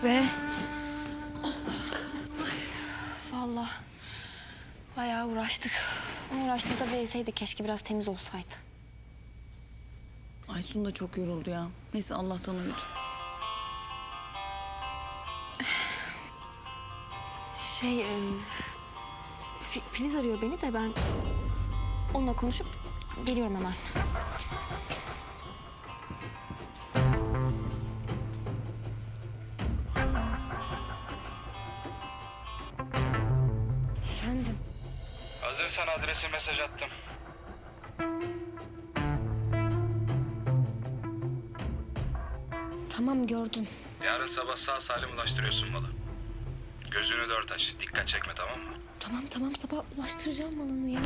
be. Vallahi bayağı uğraştık. Ama uğraştığımıza değseydi keşke biraz temiz olsaydı. Aysun da çok yoruldu ya. Neyse Allah'tan uyudu. Filiz arıyor beni de ben onunla konuşup geliyorum hemen. Efendim? Hazırsan adresi mesaj attım. Tamam gördüm. Yarın sabah sağ salim ulaştırıyorsun malı. Gözünü dört aç. Dikkat çekme, tamam mı? Tamam sabah ulaştıracağım malını ya.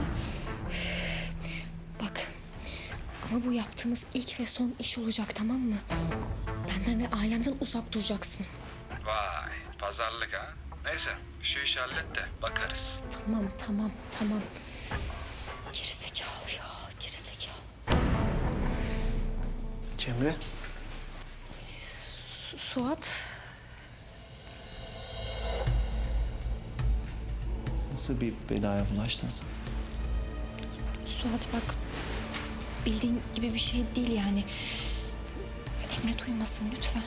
Bak ama bu yaptığımız ilk ve son iş olacak, tamam mı? Benden ve ailemden uzak duracaksın. Vay, pazarlık ha. Neyse, şu işi hallet de bakarız. Tamam. Gerizekalı ya, gerizekalı. Cemre. Suat. Nasıl bir belaya bulaştın sen? Suat bak, bildiğin gibi bir şey değil yani. Emre duymasın lütfen.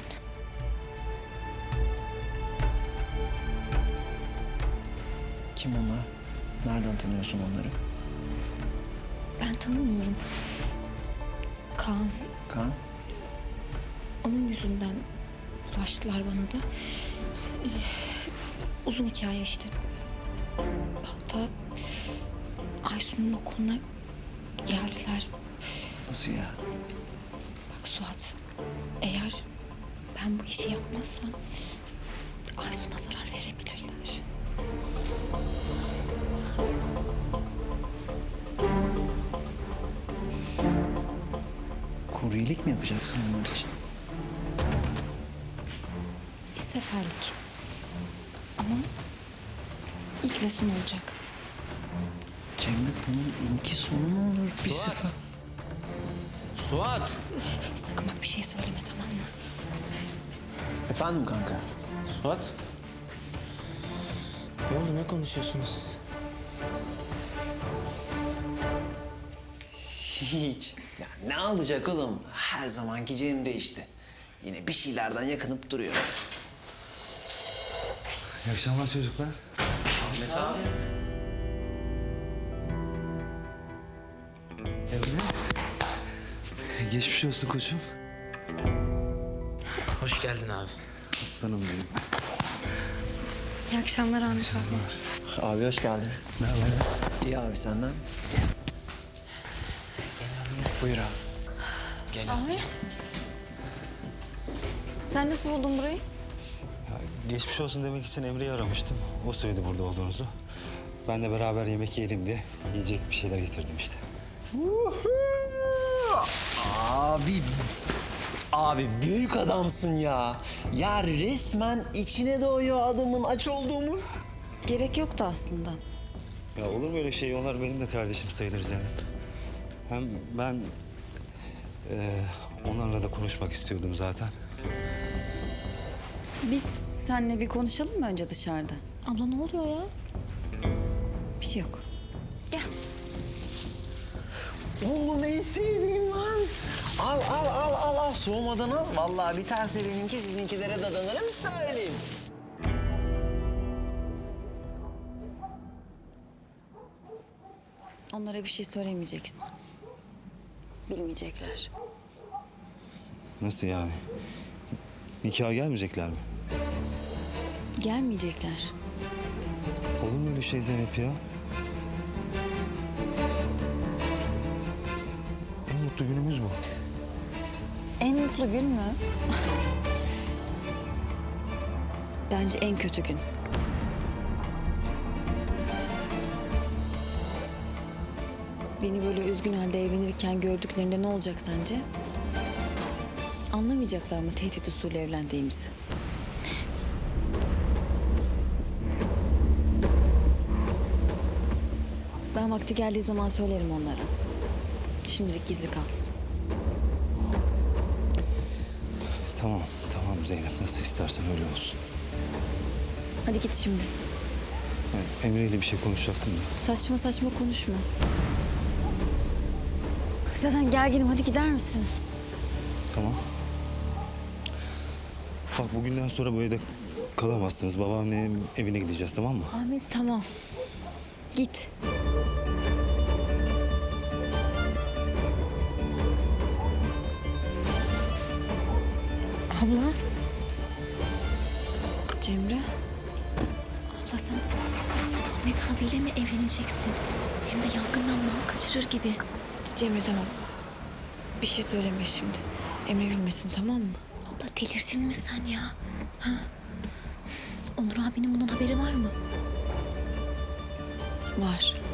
Kim onlar? Nereden tanıyorsun onları? Ben tanımıyorum. Kaan, Kaan? onun yüzünden bulaştılar bana da. Uzun hikaye işte. Hatta Aysun'un okuluna geldiler. Nasıl ya? Bak Suat, eğer ben bu işi yapmazsam Aysun'a zarar verebilirler. Kuryelik mi yapacaksın onlar için? Bir seferlik. Ama ilk ve son olacak. Cemre bunun ilki sonu mu olur? Bir Suat! sefer. Suat! Sakın bak bir şey söyleme, tamam mı? Efendim kanka? Suat! Ne oldu, ne konuşuyorsunuz siz? Hiç. Ya ne alacak oğlum? Her zamanki Cemre işte. Yine bir şeylerden yakınıp duruyor. İyi akşamlar çocuklar. Ahmet abi. Emre. Geçmiş olsun koçum. Hoş geldin abi. Aslanım benim. İyi akşamlar Ahmet abi. Abi hoş geldin. Ne haber? İyi abi senden. Buyur abi. Gel abi. Ahmet. Sen nasıl buldun burayı? Geçmiş olsun demek için Emre'yi aramıştım. O söyledi burada olduğunuzu. Ben de beraber yemek yiyelim diye yiyecek bir şeyler getirdim işte. Abi büyük adamsın ya. Ya resmen içine doğuyor adamın aç olduğumuz. Gerek yoktu aslında. Ya olur mu öyle şey? Onlar benim de kardeşim sayılır Zeynep. Hem ben onlarla da konuşmak istiyordum zaten. Biz seninle bir konuşalım mı önce dışarıda? Abla ne oluyor ya? Bir şey yok. Gel. Oğlum en sevdiğim lan. Al. Soğumadan al. Vallahi biterse benimki sizinkilere dadanırım söyleyeyim. Onlara bir şey söylemeyeceksin. Bilmeyecekler. Nasıl yani? Nikaha gelmeyecekler mi? Gelmeyecekler. Olur mu öyle şey Zeynep ya? En mutlu günümüz bu. En mutlu gün mü? Bence en kötü gün. Beni böyle üzgün halde evlenirken gördüklerinde ne olacak sence? Anlamayacaklar mı tehdit usulü evlendiğimizi? Ben vakti geldiği zaman söylerim onlara. Şimdilik gizli kalsın. Tamam, tamam Zeynep. Nasıl istersen öyle olsun. Hadi git şimdi. Ben Emre ile bir şey konuşacaktım da. Saçma saçma konuşma. Zaten gerginim, hadi gider misin? Tamam. Bak bugünden sonra bu evde kalamazsınız. Babaannemin evine gideceğiz, tamam mı? Ahmet tamam. Git. Abla. Cemre. Abla sen Ahmet abiyle mi evleneceksin? Hem de yangından mal kaçırır gibi. Cemre tamam. Bir şey söyleme şimdi. Emre bilmesin, tamam mı? Abla delirdin mi sen ya? Ha? Onur abinin bundan haberi var mı? Var.